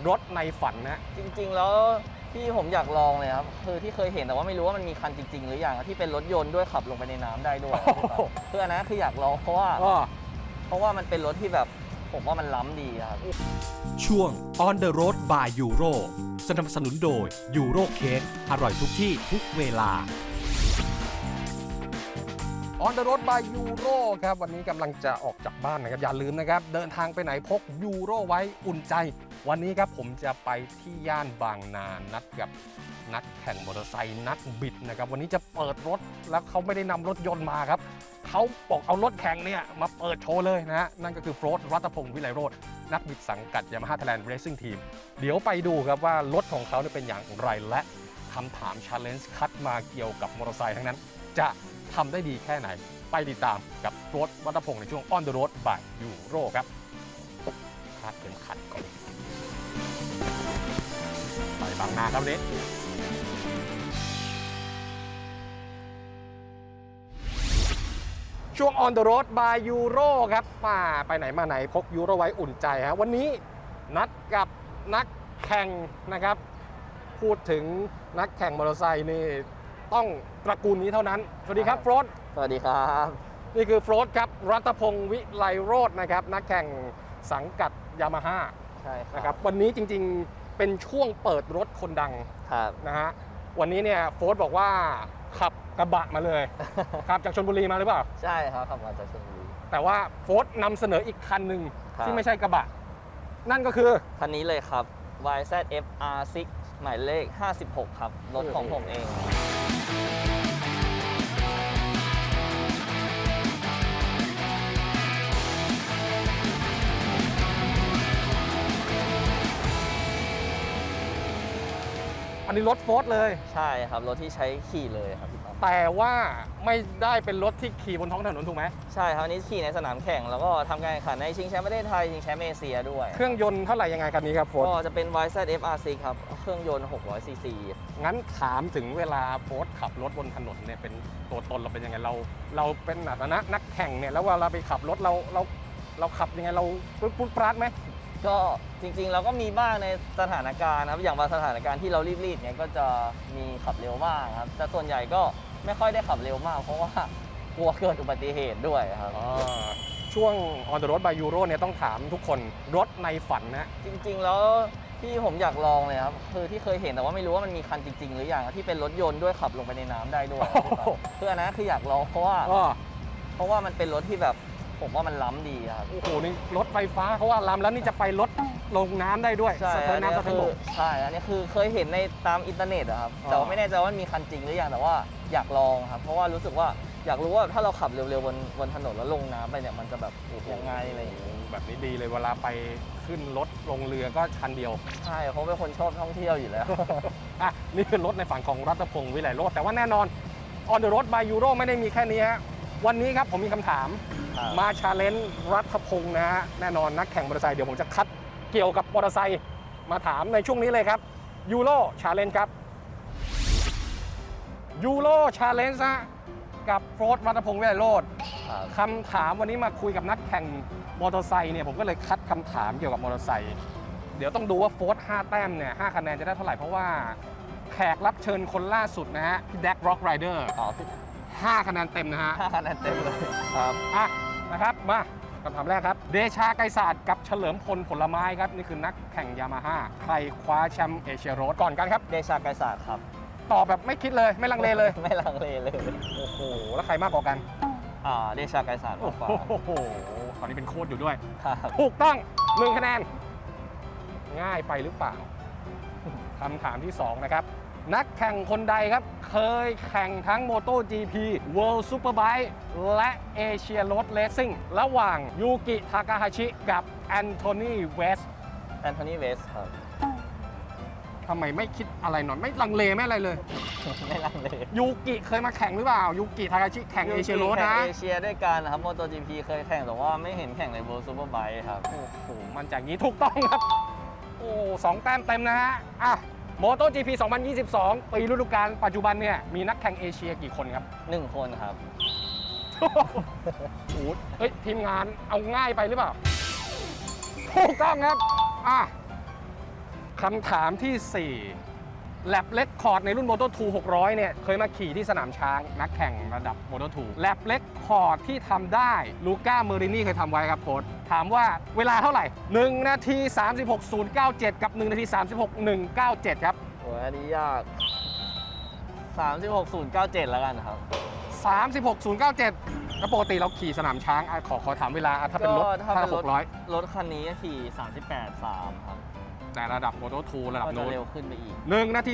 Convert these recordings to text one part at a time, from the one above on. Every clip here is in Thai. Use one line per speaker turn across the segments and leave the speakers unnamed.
รถในฝันนะ
จริงๆแล้วที่ผมอยากลองเลยครับคือที่เคยเห็นแต่ว่าไม่รู้ว่ามันมีคันจริงๆหรือยังที่เป็นรถยนต์ด้วยขับลงไปในน้ำได้ด้วยคืออันนั้นคืออยากลองเพราะว่ามันเป็นรถที่แบบผมว่ามันล้ำดีครับ
ช่วง On the Road by Euro สนับสนุนโดย Euro Cake อร่อยทุกที่ทุกเวลา
On the Road by Euro ครับวันนี้กำลังจะออกจากบ้านนะครับอย่าลืมนะครับเดินทางไปไหนพกยูโรไว้อุ่นใจวันนี้ครับผมจะไปที่ย่านบางนานัดกับนักแข่งมอเตอร์ไซค์นักบิดนะครับวันนี้จะเปิดรถแล้วเขาไม่ได้นำรถยนต์มาครับเขาบอกเอารถแข่งเนี่ยมาเปิดโชว์เลยนะฮะนั่นก็คือโฟร์ธ รัตพงศ์วิไลโรจน์นักบิดสังกัด Yamaha Thailand Racing Team เดี๋ยวไปดูครับว่ารถของเขาเป็นอย่างไรและคำถาม Challenge คัดมาเกี่ยวกับมอเตอร์ไซค์ทั้งนั้นจะทำได้ดีแค่ไหนไปติดตามกับโฟร์ธ รัตพงศ์ในช่วง On the Road by Euro ครับคาดเข็มขัดก่อนไปบางนาครับวันนี้ช่วง On the Road by Euro ครับมาไปไหนมาไหนพกยูโรไว้อุ่นใจฮะวันนี้นัดกับนักแข่งนะครับพูดถึงนักแข่งมอเตอร์ไซค์นี่ต้องตระกูลนี้เท่านั้นสวัสดีครับโฟร์ธ
สวัสดีครับ
นี่คือโฟร์ธครับรัตพงศ์วิไลโรจน์นะครับนักแข่งสังกัดยามาฮ่า
ใช่
นะครับวันนี้จริงๆเป็นช่วงเปิดรถคนดังนะฮะวันนี้เนี่ยโฟร์ธบอกว่าขับกระบะมาเลย ขับจากชลบุรีมาหรือเปล่า
ใช่ครับขับมาจากชลบุรี
แต่ว่าโฟร์ธนำเสนออีกคันหนึ่งที่ไม่ใช่กระบะนั่นก็คือ
คันนี้เลยครับ YZF R6 หมายเลข56ครับรถของผมเอง
อันนี้รถโฟร์ธเลย
ใช่ครับรถที่ใช้ขี่เลยครับพี่ต้อม
แต่ว่าไม่ได้เป็นรถที่ขี่บนท้องถนนถูกไหม
ใช่ครับอันนี้ขี่ในสนามแข่งแล้วก็ทำการแข่งขันในชิงแชมป์ประเทศไทยชิงแชมป์เอเชียด้วย
เครื่องยนต์เท่าไหร่ยังไงคันนี้ครับโฟร์ธ
ก็จะเป็น YZF R6 ครับเครื่องยนต์600 ซีซี
งั้นถามถึงเวลาโฟร์ธขับรถบนถนนเนี่ยเป็นตัวตนเราเป็นยังไงเราเป็นนักแข่งเนี่ยแล้วเวลาไปขับรถเราขับยังไงเราปุ๊บปราดไหม
ก็จริงๆเราก็มีบ้างในสถานการณ์ครับอย่างบางสถานการณ์ที่เรารีบๆเนี่ยก็จะมีขับเร็วบ้างครับแต่ส่วนใหญ่ก็ไม่ค่อยได้ขับเร็วมากเพราะว่ากลัวเกิดอุบัติเหตุด้วยครับ
ช่วง On the Road by Euro เนี่ยต้องถามทุกคนรถในฝันนะ
จริงๆแล้วที่ผมอยากลองเลยครับคือที่เคยเห็นแต่ว่าไม่รู้ว่ามันมีคันจริงๆหรือยังที่เป็นรถยนต์ด้วยขับลงไปในน้ำได้ด้วยคืออันนั้นคืออยากลองเพราะว่ามันเป็นรถที่แบบผมว่ามันล้ำดีครับ
โอ้โหนี่รถไฟฟ้าเขาว่าล้ำแล้วนี่จะไปรถลงน้ำได้ด้วย
ใช่อันนี้คือเคยเห็นในตามอินเทอร์เน็ตครับแต่ว่าไม่แน่ใจว่ามีคันจริงหรือยังแต่ว่าอยากลองครับเพราะว่ารู้สึกว่าอยากรู้ว่าถ้าเราขับเร็วๆบนถนนแล้วลงน้ำไปเนี่ยมันจะแบบยังไงอะไรอย่างนี้
แบบนี้ดีเลยเวลาไปขึ้นรถลงเรือก็ชั้นเดียว
ใช่เพราะเป็นคนชอบท่องเที่ยวอยู่แล้ว
อ่ะนี่คือรถในฝั่งของรัตพงศ์วิไลโรจน์แต่ว่าแน่นอน On the Road by Euro ไม่ได้มีแค่นี้ฮะวันนี้ครับผมมีคำถามมาชาเลนจ์รัตพงศ์นะฮะแน่นอนนักแข่งมอเตอร์ไซค์เดี๋ยวผมจะคัดเกี่ยวกับมอเตอร์ไซค์มาถามในช่วงนี้เลยครับยูโรชาเลนจ์ครับยูโรชาเลนจ์กับโฟร์ธ รัตพงศ์วิไลโรจน์คำถามวันนี้มาคุยกับนักแข่งมอเตอร์ไซค์เนี่ยผมก็เลยคัดคำถามเกี่ยวกับมอเตอร์ไซค์เดี๋ยวต้องดูว่าโฟร์ธ5แต้มเนี่ย5คะแนนจะได้เท่าไหร่เพราะว่าแขกรับเชิญคนล่าสุดนะฮะพี่แดกร็อกไรเดอร์5คะแนนเต็มนะฮะ
5คะแนนเต็มเลยครับ
นะครับมาคำถามแรกครับเดชาไกรศาสตร์กับเฉลิมพลผลไม้ครับนี่คือนักแข่งยามาฮ่าใครคว้าแชมป์เอเชียโรดก่อนกันครับ
เดชาไกรศาสตร์ครับ
ตอบแบบไม่คิดเลยไม่ลังเลเลย
ไม่ลังเลเลย
โอ้โหแล้วใครมากกว่ากัน
เดชาไกรศาสตร์มากกว่า
โอ้โหตอนนี้เป็นโค้ชอยู่ด้วยถูกต้อง1คะแนนง่ายไปหรือเปล่าคำถามที่2นะครับนักแข่งคนใดครับเคยแข่งทั้ง MotoGP World Superbike และ Asia Road Racing ระหว่างยูกิทากาฮาชิกับแอนโทนีเวส
ครับ
ทำไมไม่คิดอะไรหน่อยไม่ลังเลไม่อะไรเลย
ไม่ลังเล
ยูกิเคยมาแข่งหรือเปล่ายูกิทากาฮาชิแข่ง Asia Road นะ
เอเชียด้วยกันนะครับ MotoGP เคยแข่งแต่ว่าไม่เห็นแข่งใน World Superbike ครับ
โอ้โหมันจากนี้ถูกต้องครับโอ้2แต้มเต็มนะฮะMotoGP 2022 ปีฤดูกาลปัจจุบันเนี่ยมีนักแข่งเอเชียกี่คนครับ
1 คนครับ
โอ้เฮ้ยทีมงานเอาง่ายไปหรือเปล่าถูกต้องครับคำถามที่ 4 แลบเล็กคอร์ดในรุ่น Moto2 600 เนี่ย เคยมาขี่ที่สนามช้างนักแข่งระดับ Moto2 แลบเล็กคอร์ดที่ทำได้ลูก้าเมอรินี่เคยทำไว้ครับโค้ชถามว่าเวลาเท่าไหร่ 1 นาที 36.097 กับ 1 นาที 36.197 ครับ
โอ้ยอันนี้ยาก 36.097 แล้วกันครับ
36.097 แล้วปกติเราขี่สนามช้างขอถามเวลาถ้าเป็นรถ
ก็ถ้าเป็นรถ
600
รถคันนี้ขี่ 38.3 ครับ
แต่ระดับ Moto2 ระดับ
ก็จะ
โน้น
เร็วขึ้นไปอีก
1 นาที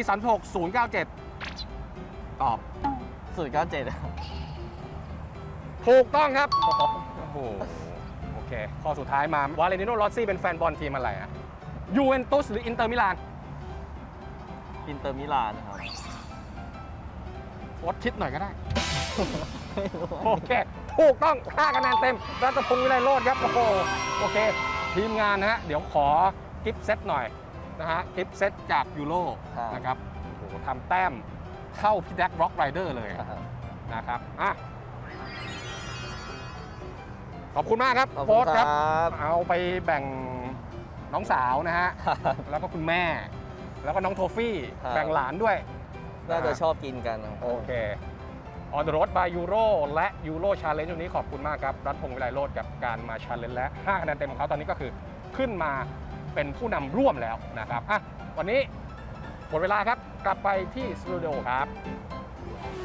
36.097 ตอบ
097ครับ
ถูกต้องครับ โอ้โห โอเค ข้อสุดท้ายมาวาเลนติโนรอสซี่เป็นแฟนบอลทีมอะไรอะยูเวนตุสหรืออินเตอร์มิลาน
อินเตอร์มิลานครับ
โค้ชคิดหน่อยก็ได้ โอเค ถูกต้อง5คะแนนเต็มรัตพงศ์วิไลโรจน์ครับ โอ้โห โอเค ทีมงานนะฮะ เดี๋ยวขอกิฟต์เซตหน่อยนะฮะ กิฟต์เซตจากยูโร
ครับ
นะครับ โอ้โหทำแต้มเท่าพี่แดกร็อกไรเดอร์เลยนะครับอ่ะขอบคุณมากครับ
ขอบ
โค้
คุ
ช
ณ
ครับ
ครับ
เอาไปแบ่งน้องสาวนะฮะ แล้วก็คุณแม่ แล้วก็น้องโทฟี่
ครับ
แบ่งหลานด้วย
น่าจะชอบกินกันครับ
โอเค On the road by Euro และ Euro Challenge วันนี้ขอบคุณมากครับ รัฐพงศ์วิไลโรจน์กับการมา Challenge และ5คะแนนเต็มของเขาตอนนี้ก็คือขึ้นมาเป็นผู้นำร่วมแล้วนะครับอ่ะวันนี้หมดเวลาครับ กลับไปที่สตูดิโอครับ